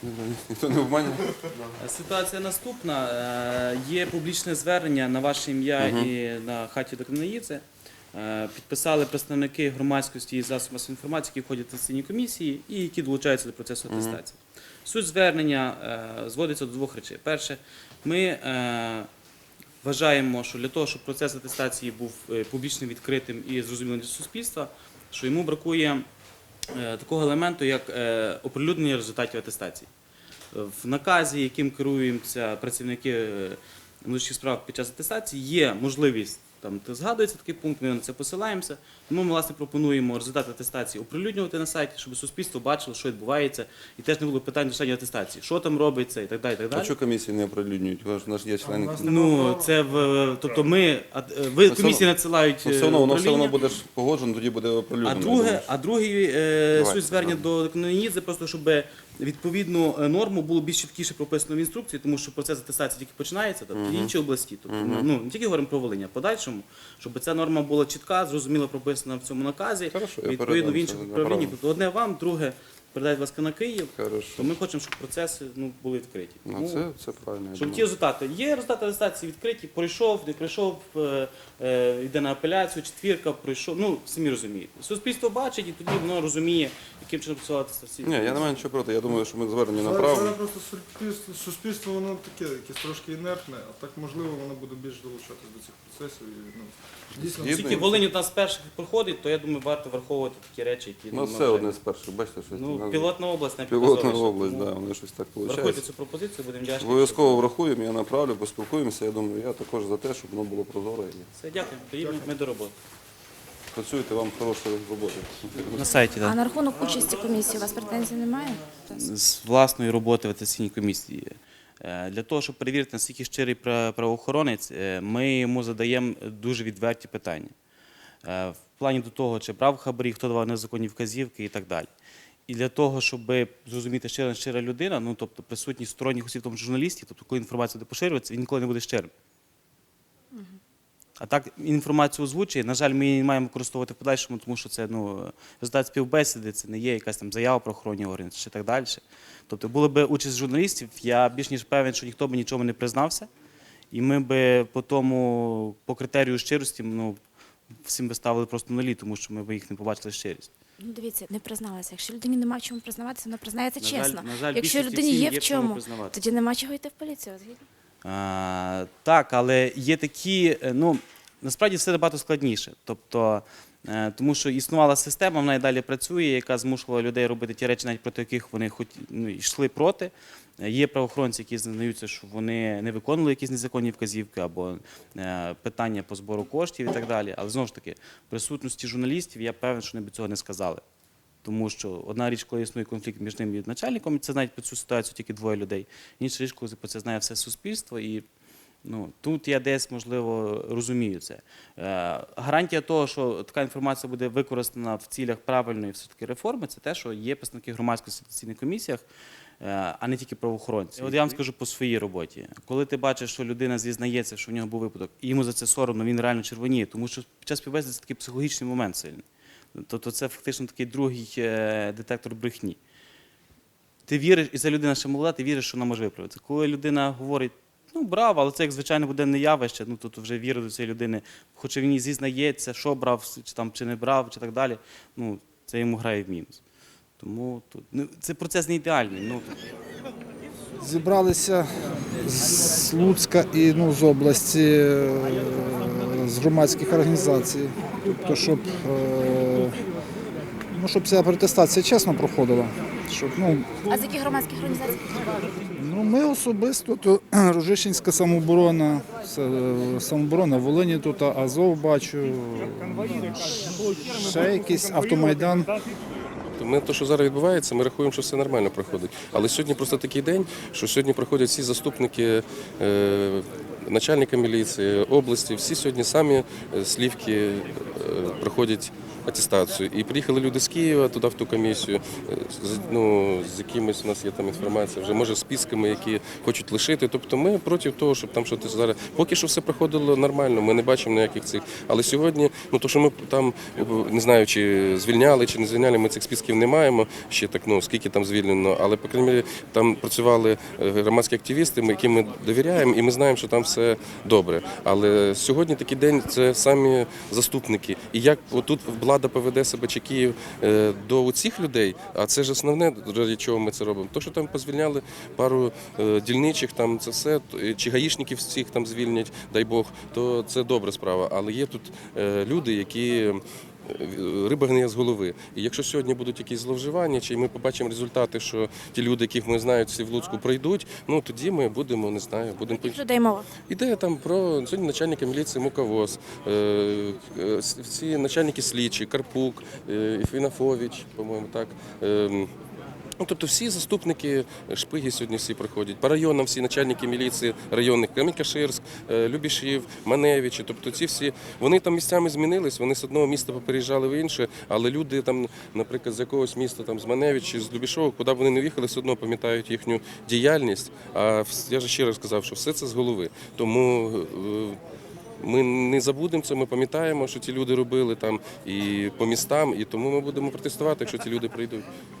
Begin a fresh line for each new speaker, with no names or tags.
Ніхто не обманює?
Ситуація наступна. Є публічне звернення на ваше ім'я і на хаті до Кнаїдзе. Підписали представники громадськості і засобів масової інформації, які входять в атестаційні комісії і які долучаються до процесу атестації. Суть звернення зводиться до двох речей. Перше, ми вважаємо, що для того, щоб процес атестації був публічним, відкритим і зрозумілим для суспільства, що йому бракує такого елементу, як оприлюднення результатів атестації. В наказі, яким керуються працівники внутрішніх справ під час атестації, є можливість, там згадується такий пункт, ми на це посилаємося, тому ми, власне, пропонуємо результати атестації оприлюднювати на сайті, щоб суспільство бачило, що відбувається, і теж не було питань до членів атестації, що там робиться і так далі.
А чого комісії не оприлюднюють? У нас є члени.
Ну, це тобто ви комісії надсилають
Воно все одно буде погоджено, тоді буде оприлюднено.
А другий суть звернення до Кнаїдзе, просто щоб відповідну норму було більш чіткіше прописано в інструкції, тому що процес атестації тільки починається, тобто в іншій області. Тобто, ну, не тільки говоримо про Волинь, а подальшому, щоб ця норма була чітка, зрозуміло прописана в цьому наказі, відповідно в інших управліннях. Тобто одне вам, друге передають, будь ласка, на Київ, то ми хочемо, щоб процеси були відкриті.
Ну, це правильно.
Щоб ті результати. Є результати атестації відкриті, пройшов, не пройшов, йде на апеляцію, четвірка, пройшов, ну, самі розумієте. Суспільство бачить і тоді воно розуміє, яким чином працювати атестація.
Ні, я не маю нічого проти, я думаю, що ми звернення направимо.
Зараз просто суспільство, воно таке, якесь трошки інертне, а так, можливо, воно буде більш долучатися до цих процесів. І, дійсно,
Оскільки Волинь у нас перших проходить, то я думаю, варто враховувати такі речі, які...
Ну, все одне з перших, бачите, щось.
Ну, пілотна область, не
Пілотна область, так, воно щось так
врахуйте
виходить.
цю пропозицію, будемо вдячні.
Обов'язково врахуємо, я направлю, поспілкуємося. Я думаю, я також за те, щоб воно було прозоре.
Все, дякую. Тоді ми до роботи.
Працюйте, вам хорошої роботи.
На сайті,
А
так.
на рахунок участі комісії у вас претензій немає?
З власної роботи в атестаційній комісії. Для того, щоб перевірити, наскільки щирий правоохоронець, ми йому задаємо дуже відверті питання. В плані до того, чи брав хабарі, хто давав незаконні вказівки і так далі. І для того, щоб зрозуміти, щира людина, ну, тобто присутність сторонніх осіб, в тому журналістів, тобто коли інформація буде поширюватися, він ніколи не буде щирим. А так інформацію озвучує, на жаль, ми її не маємо використовувати в подальшому, тому що це результат співбесіди, це не є якась там заява про охоронні органи чи так далі. Тобто була б участь журналістів, я більш ніж певен, що ніхто б нічого не признався, і ми б по критерію щирості, всім би ставили просто нулі, тому що ми б їх не побачили щирість.
Ну, дивіться, не призналася. Якщо людині нема чому признаватися, вона признається чесно.
На жаль,
якщо
більшості
людині
всім
є в
в чому
чому,
признаватися.
тоді нема чого йти в поліцію, згідно?
Так, але є такі, насправді все набагато складніше. Тобто, тому що існувала система, вона і далі працює, яка змушувала людей робити ті речі, навіть проти яких вони йшли проти. Є правоохоронці, які знаються, що вони не виконували якісь незаконні вказівки або питання по збору коштів і так далі. Але знову ж таки, в присутності журналістів я певен, що вони б цього не сказали. Тому що одна річ, коли існує конфлікт між ним і начальником, це знають про цю ситуацію тільки двоє людей. Інша річ, коли про це знає все суспільство. І тут я десь, можливо, розумію це. Гарантія того, що така інформація буде використана в цілях правильної все-таки реформи, це те, що є представники громадськості в атестаційних комісіях, а не тільки правоохоронці. От я вам скажу по своїй роботі. Коли ти бачиш, що людина зізнається, що в нього був випадок, і йому за це соромно, він реально червоніє, тому що під час співбесіди це такий психологічний момент сильний. Тобто це фактично такий другий детектор брехні. Ти віриш, і ця людина ще молода, ти віриш, що вона може виправитися. Коли людина говорить, браво, але це як звичайне буденне явище, то вже віра до цієї людини, хоча він і зізнається, що брав, чи не брав, чи так далі, це йому грає в мінус. Тому це процес не ідеальний.
Зібралися з Луцька і з області, з громадських організацій, тобто, щоб ця атестація чесно проходила.
А з яких громадських організацій?
Ми особисто, то Рожищенська самооборона Волині, тут Азов бачу, ще якийсь Автомайдан.
Те, що зараз відбувається, ми рахуємо, що все нормально проходить. Але сьогодні просто такий день, що сьогодні проходять всі заступники начальника міліції, області, всі сьогодні самі слівки проходять атестацію. І приїхали люди з Києва туди в ту комісію, з якимось у нас є там інформація, вже може з списками, які хочуть лишити. Тобто ми проти того, щоб там щось зараз. Поки що все проходило нормально, ми не бачимо ніяких цих. Але сьогодні, то що ми там не знаю, чи звільняли, чи не звільняли, ми цих списків не маємо. Ще так, скільки там звільнено, але по крайній мірі там працювали громадські активісти, яким ми довіряємо, і ми знаємо, що там все добре. Але сьогодні такий день це самі заступники. І як отут влада поведе себе чи Київ до цих людей, а це ж основне, ради чого ми це робимо. То, що там позвільняли пару дільничих, там це все, чи гаїшників всіх там звільнять, дай Бог, то це добра справа. Але є тут люди, які риба гниє з голови. І якщо сьогодні будуть якісь зловживання, чи ми побачимо результати, що ті люди, яких ми знаємо, всі в Луцьку пройдуть, тоді ми будемо, не знаю, будемо...
Яких людей мова?
Іде там про сьогодні начальника міліції Муковоз, всі начальники слідчі, Карпук, Фінафович, по-моєму, так. Тобто всі заступники, шпиги сьогодні всі приходять. По районам всі начальники міліції районних, Камінь-Каширськ, Любішів, Маневичі. Тобто ці всі, вони там місцями змінились, вони з одного міста попереїжджали в інше, але люди там, наприклад, з якогось міста, там, з Маневичі, з Любішова, куди б вони не в'їхали, все одно пам'ятають їхню діяльність. А я ж ще раз сказав, що все це з голови. Тому ми не забудемо це, ми пам'ятаємо, що ті люди робили там і по містам, і тому ми будемо протестувати, якщо ті люди прийдуть.